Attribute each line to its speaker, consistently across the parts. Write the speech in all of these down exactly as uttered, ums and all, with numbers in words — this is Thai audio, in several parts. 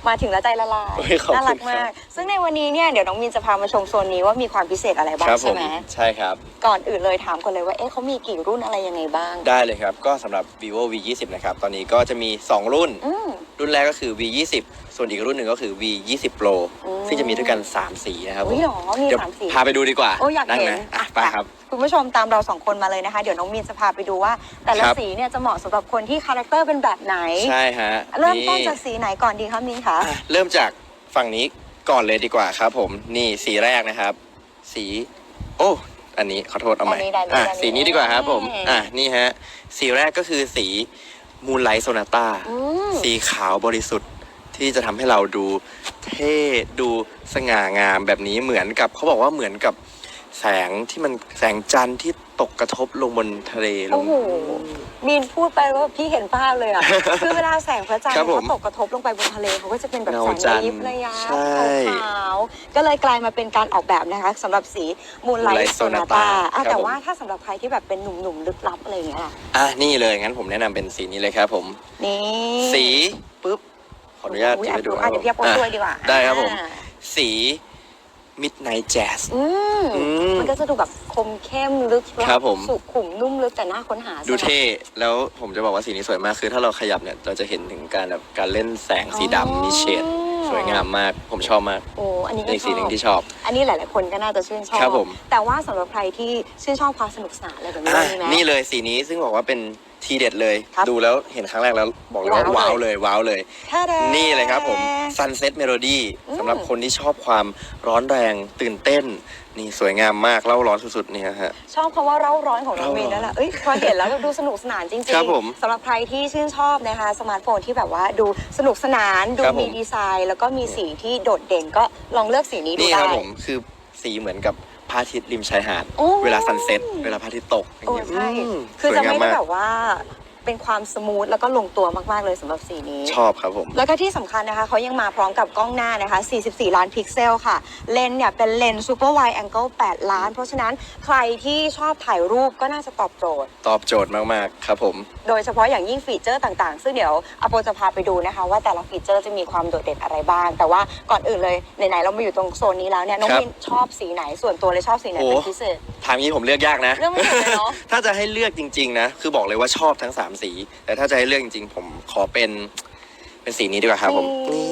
Speaker 1: มาถึงแล้วใจละลายน่ารักมากซึ่งในวันนี้เนี่ยเดี๋ยวน้องมินจะพามาชมโซนนี้ว่ามีความพิเศษอะไรบ้างใช่ไหม
Speaker 2: ใช่ครับ
Speaker 1: ก่อนอื่นเลยถามกันเลยว่าเอ๊ะเขามีกี่รุ่นอะไรยังไงบ้าง
Speaker 2: ได้เลยครับก็สำหรับ vivo วี ยี่สิบ นะครับตอนนี้ก็จะมีสองรุ่นรุ่นแรกก็คือ วี ยี่สิบ ส่วนอีกรุ่นหนึ่งก็คือ วี ยี่สิบ Pro ซึ่งจะมีด้วยกันสามสีนะครับ
Speaker 1: อุ้ยหรอมีสามสี
Speaker 2: พาไปดูดีกว่า
Speaker 1: โอ้อยากเห็น
Speaker 2: ไปครับ
Speaker 1: คุณผู้ชมตามเราสองคนมาเลยนะคะเดี๋ยวน้องมินจะพาไปดูว่าแต่ละสีเนี่ยจะเหมาะสำหรับคนที่คาแรคเตอร์เป็นแบบไหน
Speaker 2: ใช่ฮะ
Speaker 1: เริ่มต้นจากสีไหนก่อนดีคะมินคะ
Speaker 2: เริ่มจากฝั่งนี้ก่อนเลยดีกว่าครับผมนี่สีแรกนะครับสีโอ้อันนี้ขอโทษเอาใหม่อ่ะสีนี้ดีกว่าครับผมอ่ะนี่ฮะสีแรกก็คือสี Moonlight Sonata สีขาวบริสุทธิ์ที่จะทำให้เราดูเท่ดูสง่างามแบบนี้เหมือนกับเขาบอกว่าเหมือนกับแสงที่มันแสงจันทร์ที่ตกกระทบลงบนทะเลลงโอ้โห
Speaker 1: มีนพูดไปว่าพี่เห็นภาพเลยอ่ะ คือเวลาแสงพระจันทร์เขาตกกระทบลงไปบนทะเลเขาก็จะเป็นแบบแสงระยิบระยับขาวๆก็เลยกลายมาเป็นการออกแบบนะคะสำหรับสี Moonlight Sonata แต่ว่าถ้าสำหรับใครที่แบบเป็นหนุ่มๆลึกลับอะไรอย่างเงี้ย
Speaker 2: อ่ะนี่เลยงั้นผมแนะนำเป็นสีนี้เลยครับผม
Speaker 1: นี่
Speaker 2: สีปุ๊บขออนุญาต
Speaker 1: ไปดูอ่ะเดี๋ยวพี่ปนด้วยดีกว่า
Speaker 2: ได้ครับผมสี Midnight Jazz
Speaker 1: มันก็จะดูแบบคมเข้มลึก
Speaker 2: ครับผม
Speaker 1: สุขุมนุ่มลึกแต่น่าค้นหา
Speaker 2: ดูเท่แล้วผมจะบอกว่าสีนี้สวยมากคือถ้าเราขยับเนี่ยเราจะเห็นถึงการแบบการเล่นแสงสีดำมีเฉดสวยงามมากผมชอบมาก
Speaker 1: โอ้อันนี้ก็
Speaker 2: สีหนึ่งที่ชอบ
Speaker 1: อันนี้หลายๆคนก็น่าจะชื่นชอบ
Speaker 2: ครับผม
Speaker 1: แต่ว่าสำหรับใครที่ชื่นชอบความสนุกสนานอะไรแบบนี้มีไหม
Speaker 2: นี่เลยสีนี้ซึ่งบอกว่าเป็นทีเด็ดเลยดูแล้วเห็นครั้งแรกแล้วบอกเลยว่าว้าวเลยว้าวเลยนี่เลยครับผม Sunset Melody สำหรับคนที่ชอบความร้อนแรงตื่นเต้นนี่สวยงามมากเล่าร้อนสุดๆนี่ฮะ
Speaker 1: ชอบคำว่าเล่าร้อนของน้องเมย์นั่นแหละเอ้ยพอเห็นแล้วดูสนุกสนานจริงๆสำหรับใครที่ชื่นชอบนะคะสมาร์ทโฟนที่แบบว่าดูสนุกสนานดูมีดีไซน์แล้วก็มีสีที่โดดเด่นก็ลองเลือกสีนี้ดูได้
Speaker 2: นี่ครับผมคือสีเหมือนกับพระอาทิตย์ริมชายหาดเวลาซันเซ็ตเวลาพระอาทิตย์ตก
Speaker 1: โอ้ใช่คือจะไม่ได้แบบว่าเป็นความสมูทแล้วก็ลงตัวมากๆเลยสำหรับสีนี้
Speaker 2: ชอบครับผม
Speaker 1: แล้วก็ที่สำคัญนะคะเขายังมาพร้อมกับกล้องหน้านะคะสี่สิบสี่ล้านพิกเซลค่ะเลนส์เนี่ยเป็นเลนส์ซูเปอร์ไวด์แองเกิลแปดล้านเพราะฉะนั้นใครที่ชอบถ่ายรูปก็น่าจะตอบโจทย์
Speaker 2: ตอบโจทย์มากๆครับผม
Speaker 1: โดยเฉพาะอย่างยิ่งฟีเจอร์ต่างๆซึ่งเดี๋ยวอโปจะพาไปดูนะคะว่าแต่ละฟีเจอร์จะมีความโดดเด่นอะไรบ้างแต่ว่าก่อนอื่นเลยไหนๆเรามาอยู่ตรงโซนนี้แล้วเนี่ยน้องมินชอบสีไหนส่วนตัวเลยชอบสีไหนเป็นพิเศษ
Speaker 2: ทางนี้ผมเลือกยากนะ
Speaker 1: เลือกไม่ถูกเลยเนาะ
Speaker 2: ถ้าจะให้เลือกจริงๆนะคือบอกเลยว่าชอบทั้งสามสีแต่ถ้าจะให้เลือกจริงๆผมขอเป็นเป็นสีนี้ดีกว่าครับผมนี่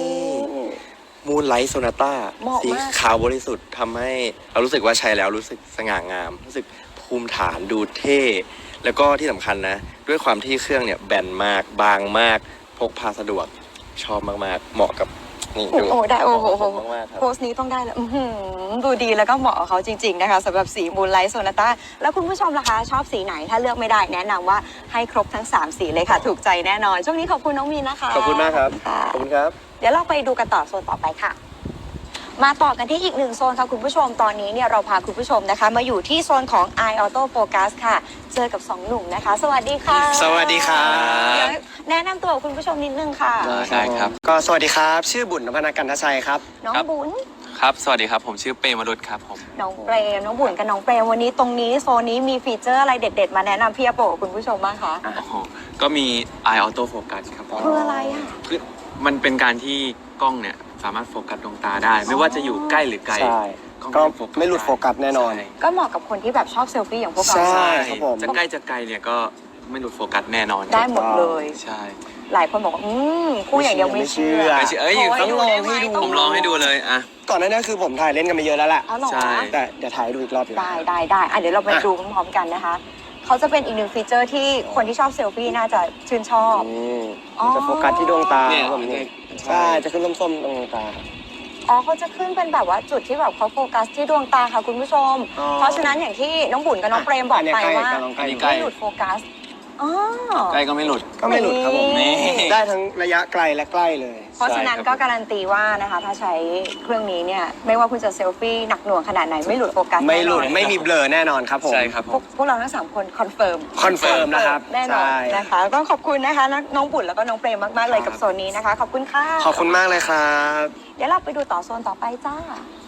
Speaker 2: Moonlight Sonata สีขาวบริสุทธิ์ทำให้เรารู้สึกว่าใช้แล้วรู้สึกสง่างามรู้สึกภูมิฐานดูเท่แล้วก็ที่สำคัญนะด้วยความที่เครื่องเนี่ยแบนมากบางมากพกพาสะดวกชอบมากๆเหมาะกับนี่ดู
Speaker 1: โอ้ได้โอ้โหโพสนี้ต้องได้แล้วดูดีแล้วก็เหมาะกับเขาจริงๆนะคะสำหรับสี Moonlight Sonata แล้วคุณผู้ชมล่ะคะชอบสีไหนถ้าเลือกไม่ได้แนะนำว่าให้ครบทั้งสามสีเลยค่ะถูกใจแน่นอนช่วงนี้ขอบคุณน้องมีนนะคะ
Speaker 2: ขอบคุณมากครับขอบคุณครับ
Speaker 1: เดี๋ยวเราไปดูกันต่อโซนต่อไปค่ะมาต่อกันที่อีกหนึ่งโซนค่ะคุณผู้ชมตอนนี้เนี่ยเราพาคุณผู้ชมนะคะมาอยู่ที่โซนของ Eye Auto Focus ค่ะเจอกับสองหนุ่มนะคะสวัสดีค่ะ
Speaker 2: สวัสดีครับ
Speaker 1: แนะนำตัวคุณผู้ชมนิดนึงค่ะ
Speaker 3: ได้ครับ
Speaker 4: ก็สวัสดีครับชื่อบุญนพนักกันทชัยครับ
Speaker 1: น้องบุญ
Speaker 3: ครับสวัสดีครับผมชื่อเปรมรุตครับผม
Speaker 1: น้องเปรมน้องบุญกับน้องเปรมวันนี้ตรงนี้โซนนี้มีฟีเจอร์อะไรเด็ดๆมาแนะนำพี่อโปกับคุณผู้ชมบ้างคะ
Speaker 3: ก็มี Eye Auto Focus ครับ
Speaker 1: คืออะไรอ่ะ
Speaker 3: คือมันเป็นการที่กล้องเนี่ยสามารถโฟกัสดวงตาได้ไม่ว่าจะอยู่ใกล้หรือไกล
Speaker 4: ก็ไม่หลุดโฟกัสแน่นอน
Speaker 1: ก็เหมาะกับคนที่แบบชอบเซลฟี่อย่างพวกเรา
Speaker 4: ใช่ครับผม
Speaker 3: จะใกล้จะไกลเนี่ยก็ไม่หลุดโฟกัสแน่นอน
Speaker 1: ได้หมดเลย
Speaker 3: ใช่
Speaker 1: หลายคนบอกว่าอืมคู่อย่างเดียวไม่เชื่อ
Speaker 3: เอ้ยต้องลองให้ดูผมลองให้ดูเลยอ่ะ
Speaker 4: ก่อนหน้านี้คือผมถ่ายเล่นกันไปเยอะแล้วแหละ
Speaker 1: ใช่
Speaker 4: แต่เดี๋ยวถ่ายดูอีกรอบ
Speaker 1: ได้ได้ได้อ่ะเดี๋ยวเราไปดูพร้อมๆกันนะคะเขาจะเป็นอีกหนึ่งฟีเจอร์ที่คนที่ชอบเซลฟี่น่าจะชื่นชอบ
Speaker 4: จะโฟกัสที่ดวงตาผมนี่ใช่จะขึ้นส้มๆตรงดวงตา
Speaker 1: อ๋อเขาจะขึ้นเป็นแบบว่าจุดที่แบบเขาโฟกัสที่ดวงตาค่ะคุณผู้ชมเพราะฉะนั้นอย่างที่น้องบุญกับน้องเปรมบอกไปว่าไม่หลุดโฟกัส
Speaker 3: ใกล้ก็ไม่หลุด
Speaker 4: ก็ไม่หลุดครับผมได้ทั้งระยะไกลและใกล้เลย
Speaker 1: เพราะฉะนั้นก็การันตีว่านะคะถ้าใช้เครื่องนี้เนี่ยไม่ว่าคุณจะเซลฟี่หนักหน่วงขนาดไหนไม่หลุดโฟกัส
Speaker 4: ไม่หลุดไม่มีเบลอแน่นอนครับผม
Speaker 3: ใช่ครับ
Speaker 1: พวกเราทั้งสามคนคอนเฟิร์ม
Speaker 4: คอนเฟิร์มนะครับ
Speaker 1: แน่นอนนะคะก็ขอบคุณนะคะน้องบุญแล้วก็น้องเปรมมากๆเลยกับโซนนี้นะคะขอบคุณค่ะ
Speaker 4: ขอบคุณมากเลยครับ
Speaker 1: เดี๋ยวเราไปดูต่อโซนต่อไปจ้า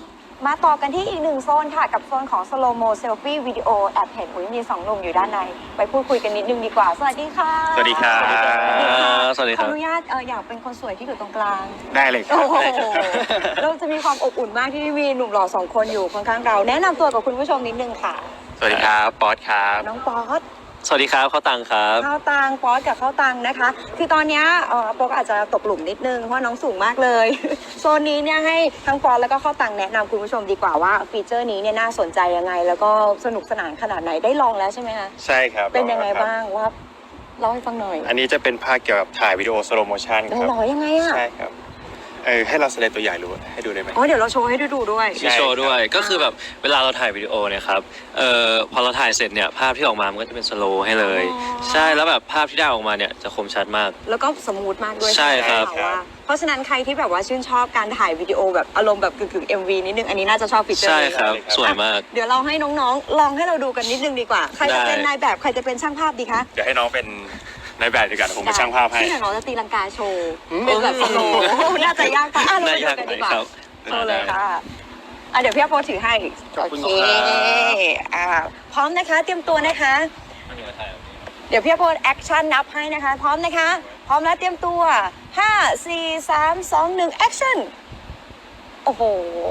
Speaker 1: มาต่อกันที่อีกหนึ่งโซนค่ะกับโซนของ slow mo selfie video แอบเห็นอุ้ยมีสองหนุ่มอยู่ด้านในไปพูดคุยกันนิดนึงดีกว่าสวัสดีค่ะ
Speaker 5: สวัสดีครับ
Speaker 1: สวัสดีค่ะขออนุญาตเอออยากเป็นคนสวยที่อยู่ตรงกลาง
Speaker 5: ได้เลยครับ
Speaker 1: โอ้โหเราจะมีความอบอุ่นมากที่มีหนุ่มหล่อสองคนอยู่ข้างๆเราแนะนำตัวกับคุณผู้ชมนิดนึงค่ะ
Speaker 5: สวัสดีครับป๊อตครับ
Speaker 1: น้องป๊อต
Speaker 3: สวัสดีครับข้าวตังครับ
Speaker 1: ข้าวตังป๊อตกับข้าวตังนะคะ คือตอนเนี้ยเออป๊อตอาจจะตกหลุมนิดนึงเพราะน้องสูงมากเลย โซนนี้เนี่ยให้ทั้งป๊อตแล้วก็ข้าวตังแนะนำคุณผู้ชมดีกว่าว่าฟีเจอร์นี้เนี่ยน่าสนใจยังไง แล้วก็สนุกสนานขนาดไหนได้ลองแล้วใช่ไหมคะ
Speaker 5: ใช่ครับ
Speaker 1: เป็นยังไงบ้างว่าเล่าให้ฟังหน่อย
Speaker 5: อันนี้จะเป็นภาคเกี่ยวกับถ่ายวิดีโอสโลโมชันครับ
Speaker 1: หล่อยังไงอ่ะ
Speaker 5: ใช่ครับเออให้เราแสดงตัวอย่างรู้ให้ดูได้ไหม
Speaker 1: อ๋อเดี๋ยวเราโชว์ให้ดูดูด้วย
Speaker 5: ใช่
Speaker 6: มีโชว์ด้วยก็คือแบบเวลาเราถ่ายวิดีโอเนี่ยครับเอ่อพอเราถ่ายเสร็จเนี่ยภาพที่ออกมามันก็จะเป็นสโลว์ให้เลย
Speaker 1: อ๋อ
Speaker 6: ใช่แล้วแบบภาพที่ได้ออกมาเนี่ยจะคมชัดมาก
Speaker 1: แล้วก็สมูทมากด้วย
Speaker 6: ใช่ครับ
Speaker 1: ไหมะว่าเพราะฉะนั้นใครที่แบบว่าชื่นชอบการถ่ายวิดีโอแบบอารมณ์แบบกึ่งๆ เอ็ม วี นิดนึงอันนี้น่าจะชอบฟีเจอร์
Speaker 6: ใช่
Speaker 1: นี้
Speaker 6: ครับ
Speaker 5: ใช่ครับ
Speaker 6: สวยมาก
Speaker 1: เดี๋ยวเราให้น้องๆ ลองให้เราดูกันนิดนึงดีกว่า ใครจะ
Speaker 6: ได้
Speaker 1: เป็นนายแบบใครจะเป็นช่างภาพดีคะ
Speaker 5: เดี๋ยวให้น้องเป็นนายแบบดีกว่าผมเป็นช่างภาพให้
Speaker 1: ที่ไหนน้องจะตีลังกาโชว์เป็นแบบสโลว์โอ้โหน่าจะยากไปอ่ะเรา
Speaker 6: น่า
Speaker 1: ไปดู
Speaker 6: ยาก
Speaker 1: กัน
Speaker 6: ไหม
Speaker 1: ดีกว่า
Speaker 6: ครับ
Speaker 1: โชว์เลยค่ะอ่ะเดี๋ยวพี่อาโปถือให้
Speaker 5: ขอบคุณ
Speaker 1: โอ
Speaker 5: ครั
Speaker 1: เค
Speaker 5: บ
Speaker 1: อ่าพร้อมนะคะ เตรียมตัวนะคะ เดี๋ยวพี่อาโปแอคชั่นนับให้นะคะ พร้อมนะคะ พร้อมแล้วเตรียมตัวห้า สี่ สาม สอง หนึ่งแอคชั่นโอ้โห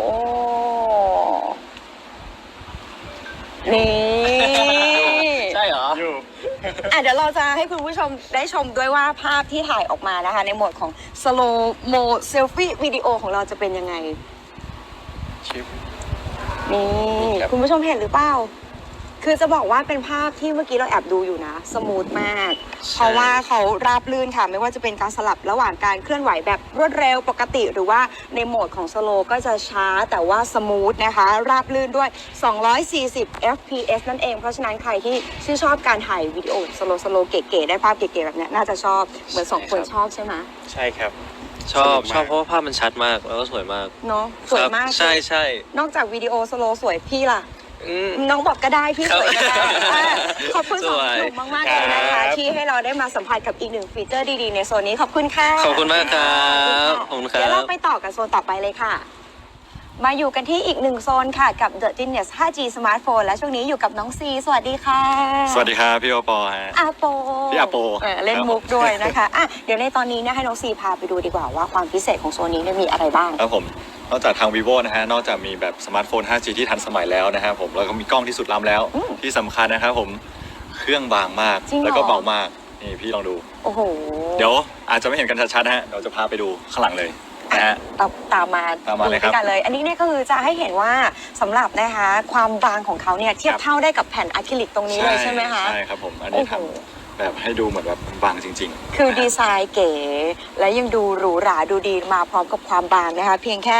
Speaker 1: นี่
Speaker 6: ใช่เหรอ
Speaker 5: อยู่
Speaker 1: อ่ะเดี๋ยวเราจะให้คุณผู้ชมได้ชมด้วยว่าภาพที่ถ่ายออกมานะคะ ในโหมดของ slow mo selfie วิดีโอของเราจะเป็นยังไง
Speaker 5: ชิป
Speaker 1: นี่
Speaker 5: ครับ
Speaker 1: คุณผู้ชมเห็นหรือเปล่า คือจะบอกว่าเป็นภาพที่เมื่อกี้เราแอบดูอยู่นะ สมูทมาก เพราะว่าเขาราบลื่นค่ะ ไม่ว่าจะเป็นการสลับระหว่างการเคลื่อนไหวแบบรวดเร็วปกติ หรือว่าในโหมดของสโลก็จะช้าแต่ว่าสมูทนะคะ ราบลื่นด้วย สองร้อยสี่สิบ เอฟ พี เอส นั่นเอง เพราะฉะนั้นใครที่ชื่นชอบการถ่ายวิดีโอสโลสโลเก๋ๆได้ภาพเก๋ๆแบบเนี้ยน่าจะชอบเหมือนสองคนชอบใช่ไหม
Speaker 5: ใช่ครับ
Speaker 6: ชอบ
Speaker 5: สนุกมาก
Speaker 6: ชอบเพราะว่าภาพมันชัดมากแล้วก็สวยมาก
Speaker 1: เนาะสวยมาก
Speaker 6: ครับใช่ใช่
Speaker 1: นอกจากวิดีโอสโลสวยพี่ล่ะ
Speaker 6: อืม
Speaker 1: น้องบอกก็ได้พี่
Speaker 6: ครั
Speaker 1: ส
Speaker 6: บ
Speaker 1: วยก็ได้อ่ะขอบคุณสอง
Speaker 6: สวย
Speaker 1: หนุ่มมากๆเลยนะ
Speaker 5: ครั
Speaker 1: คะ
Speaker 5: บ
Speaker 1: ที่ให้เราได้มาสัมผัสกับอีกหนึ่งฟีเจอร์ดีๆในโซนนี้ขอบคุณค่ะ
Speaker 6: ขอบคุณมากครับขอบคุณค
Speaker 1: เดี๋ยว
Speaker 6: รั
Speaker 1: เรา
Speaker 6: บ
Speaker 1: ไปต่อกับโซนต่อไปเลยค่ะ มาอยู่กันที่อีกหนึ่งโซนค่ะกับ The Genius ไฟว์จี Smartphone และช่วงนี้อยู่กับน้องซีสวัสดีค่ะ
Speaker 5: สวัสดีครับพี่โอปอฮะ
Speaker 1: อาโป
Speaker 5: พี่อาโป
Speaker 1: เออเล่นมุกด้วยนะคะอ่ะเดี๋ยวในตอนนี้เนี่ยให้น้องซีพาไปดูดีกว่าว่าความพิเศษของโซนนี้เนี่ยมีอะไรบ้าง
Speaker 7: ครับผมนอกจากทาง vivo นะฮะนอกจากมีแบบสมาร์ทโฟน ไฟว์จี ที่ทันสมัยแล้วนะฮะผมแล้วก็มีกล้องที่สุดล้ำแล้ว
Speaker 1: อืม
Speaker 7: ที่สำคัญนะครับผมเครื่องบางมาก
Speaker 1: จริงเหรอ
Speaker 7: แล้วก็เบามากนี่พี่ลองดู
Speaker 1: โอ้โห
Speaker 7: เดี๋ยวอาจจะไม่เห็นกันชัดๆนะฮะเดี๋ยวจะพาไปดูข้างหลังเลยนะฮะ
Speaker 1: ตามตามมา
Speaker 7: ตามมาเลยครับ
Speaker 1: ดูด้วยกันเลย อันนี้เนี่ยก็คือจะให้เห็นว่าสำหรับนะคะความบางของเขาเนี่ยเทียบ
Speaker 7: ครับ
Speaker 1: เท่าได้กับแผ่นอะคริลิกตรงนี้เลยใช่ไหมคะ
Speaker 7: ใช่ครับผมอันนี้ท
Speaker 1: โอ้โห
Speaker 7: ำแบบให้ดูเหมือนแบบบางจริง
Speaker 1: คือดีไซน์เก๋และยังดูหรูหราดูดีมาพร้อมกับความบางนะคะ เพียงแค่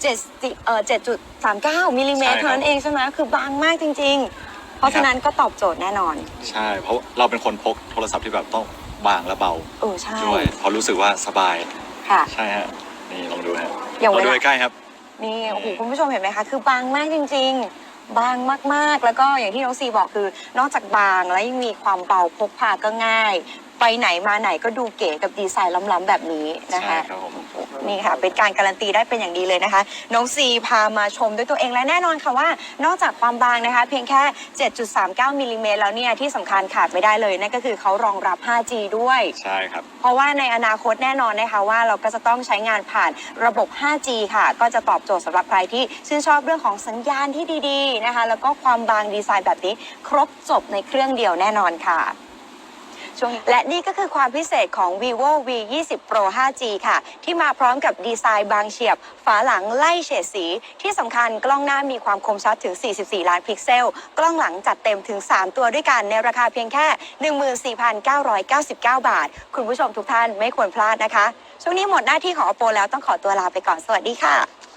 Speaker 1: 7เอ่อเจ็ดจุดสามเก้ามิลลิเมตร
Speaker 7: ใช่ครับ
Speaker 1: เท่านั้นเองใช่ไหมคือบางมากจริง ๆ เพราะฉะนั้นก็ตอบโจทย์แน่นอน
Speaker 7: ๆ ใช่ เพราะเราเป็นคนพกโทรศัพท์ที่แบบต้องบางและเบา
Speaker 1: เออใช่
Speaker 7: ด้วยเพราะรู้สึกว่าสบาย
Speaker 1: ค่ะ
Speaker 7: ใช่ฮะนี่ลองดูฮะ
Speaker 1: อย่าง
Speaker 7: ลอง
Speaker 1: เว
Speaker 7: ดู
Speaker 1: ลา
Speaker 7: ใกล้ๆครับ
Speaker 1: นี่โอ้โหคุณผู้ชมเห็นไหมคะ คือบางมากจริง ๆ บางมากๆ แล้วก็อย่างที่น้องซีบอกคือนอกจากบางแล้วยังมีความเบาพกพาก็ง่าย ไปไหนมาไหนก็ดูเก๋กับดีไซน์ล้ำๆแบบนี้นะคะ
Speaker 7: ใช่ครับผม
Speaker 1: นี่ค่ะเป็นการการันตีได้เป็นอย่างดีเลยนะคะ น้องซีพามาชมด้วยตัวเองและแน่นอนค่ะว่านอกจากความบางนะคะ เพียงแค่ เจ็ดจุดสามเก้ามิลลิเมตรแล้วเนี่ยที่สำคัญขาดไม่ได้เลยนั่นก็คือเขารองรับ ไฟว์จี ด้วย
Speaker 7: ใช่ครับ
Speaker 1: เพราะว่าในอนาคตแน่นอนนะคะว่าเราก็จะต้องใช้งานผ่านระบบ ไฟว์จี ค่ะ ก็จะตอบโจทย์สำหรับใครที่ชื่นชอบเรื่องของสัญญาณที่ดีๆนะคะ แล้วก็ความบางดีไซน์แบบนี้ครบจบในเครื่องเดียวแน่นอนค่ะช่วงนี้และนี่ก็คือความพิเศษของ vivo วี ยี่สิบ Pro ไฟว์จี ค่ะ ที่มาพร้อมกับดีไซน์บางเฉียบ ฝาหลังไล่เฉดสี ที่สำคัญกล้องหน้ามีความคมชัดถึง สี่สิบสี่ ล้านพิกเซล กล้องหลังจัดเต็มถึง สาม ตัวด้วยกันในราคาเพียงแค่ หนึ่งหมื่นสี่พันเก้าร้อยเก้าสิบเก้า บาท คุณผู้ชมทุกท่านไม่ควรพลาดนะคะ ช่วงนี้หมดหน้าที่ของ Oppo แล้วต้องขอตัวลาไปก่อน สวัสดีค่ะ